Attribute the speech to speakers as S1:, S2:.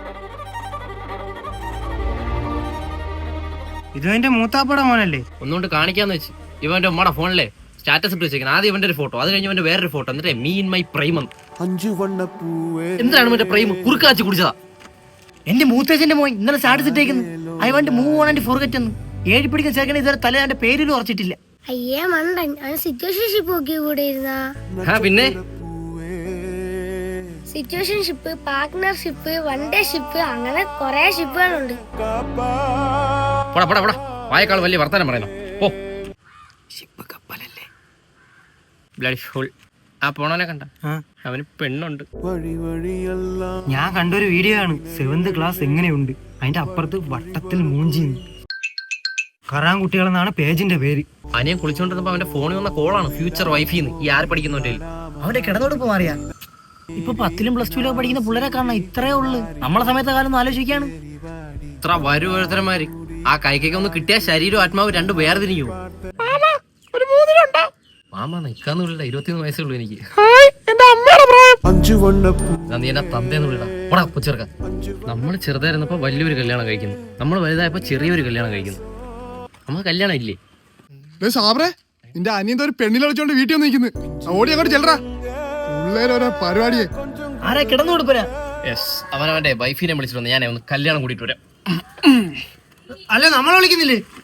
S1: ഇത് എന്റെ മൂത്താപ്പയുടെ മോനല്ലേ?
S2: ഒന്നുകൊണ്ട് കാണിക്കാന്ന് വെച്ച് ഇവന്റെ ഉമ്മയുടെ ഫോണിലെ സ്റ്റാറ്റസ് ഇട്ട് വെച്ചേക്കുന്നത്. ആദ്യം ഇവന്റെ ഒരു ഫോട്ടോ, അത് കഴിഞ്ഞ് ഇവന്റെ വേറൊരു ഫോട്ടോ, എന്നിട്ട് മീ ഇൻ മൈ പ്രൈം എന്ന്. എന്താണ് മറ്റേ പ്രൈം? കുറുക്കാച്ചി കുടിച്ചതാ.
S1: എന്റെ മൂത്തച്ഛന്റെ മോൻ ഇന്നലെ സ്റ്റാറ്റസ് ഇട്ടേക്കുന്നു. I want move on and forget എന്ന്. 7 പഠിക്കുന്ന ചേർക്കണ ഇതുവരെ തല അവന്റെ പേരിലും ഉറച്ചിട്ടില്ല.
S3: അയ്യേ മണ്ടൻ, സിറ്റുവേഷൻഷിപ്പ് നോക്കി കൂടെ ഇരുന്നാ.
S2: പിന്നെ
S3: situationship, partnership, one day ship, അങ്ങനെ കുറെ ഷിപ്പുകളുണ്ട്.
S2: വായക്കാൾ വലിയ വർത്തമാനം പറയണം. ഓ ഷിപ്പ് കപ്പലല്ലേ. Blood full. ആ പോണോനെ കണ്ട? അവന് പെണ്ണുണ്ട്.
S1: ഞാൻ കണ്ടൊരു വീഡിയോ ആണ്. 7th ക്ലാസ് എങ്ങനെയുണ്ട്, അതിന്റെ അപ്പുറത്ത് വട്ടത്തിൽ മൂഞ്ചി കറാൻ കുട്ടികളെന്നാണ് പേജിന്റെ പേര്.
S2: അനിയൻ കുളിച്ചോണ്ടിരുന്നപ്പോ അവന്റെ ഫോണിൽ വന്ന കോളാണ് ഫ്യൂച്ചർ വൈഫിന്ന്. ഈ ആര് പഠിക്കുന്നവന്റെ
S1: അവന്റെ കിടന്നോടുപ്പ് മാറിയാ. ഇപ്പൊ 10ലും +2 പഠിക്കുന്ന പിള്ളേരെ കാണാൻ ഇത്രേ ഉള്ളു. നമ്മളെ സമയത്തെ കാലം ഒന്ന് ആലോചിക്കാണ്.
S2: ഇത്ര വരുമാര് ആ കൈക്കൊക്കെ ഒന്ന് കിട്ടിയ ശരീരവും ആത്മാവും രണ്ടും വേറെ തിരിഞ്ഞു. മാമ നിക്കാന്നില്ല, 21 വയസ്സേ ഉള്ളൂ എനിക്ക്. നീ എന്റെ തന്തേന്ന് വിളിടാ കൊച്ചെറുക്ക. നമ്മൾ ചെറുതായിരുന്നപ്പോ വലിയൊരു കല്യാണം കഴിക്കുന്നു, നമ്മൾ വലുതായപ്പോ ചെറിയൊരു കല്യാണം കഴിക്കുന്നു. നമുക്ക് കല്യാണം ഇല്ലേ?
S4: സാബ്രെ, നിന്റെ അനിയന്റെ ഒരു പെണ്ണിൽ കളിച്ചോണ്ട് വീട്ടിൽ വന്ന് നിൽക്കുന്നു. ഓടി അങ്ങോട്ട് ചെല്ലറാ, പിള്ളേരോരോ പരിപാടിയെ.
S1: ആരാ കിടന്നു കൊടുപ്പരാ?
S2: അവനവന്റെ വൈഫിനെ വിളിച്ചിട്ട് ഞാൻ ഒന്ന് കല്യാണം കൂടിയിട്ട് വരാം.
S1: അല്ല, നമ്മളെ വിളിക്കുന്നില്ലേ?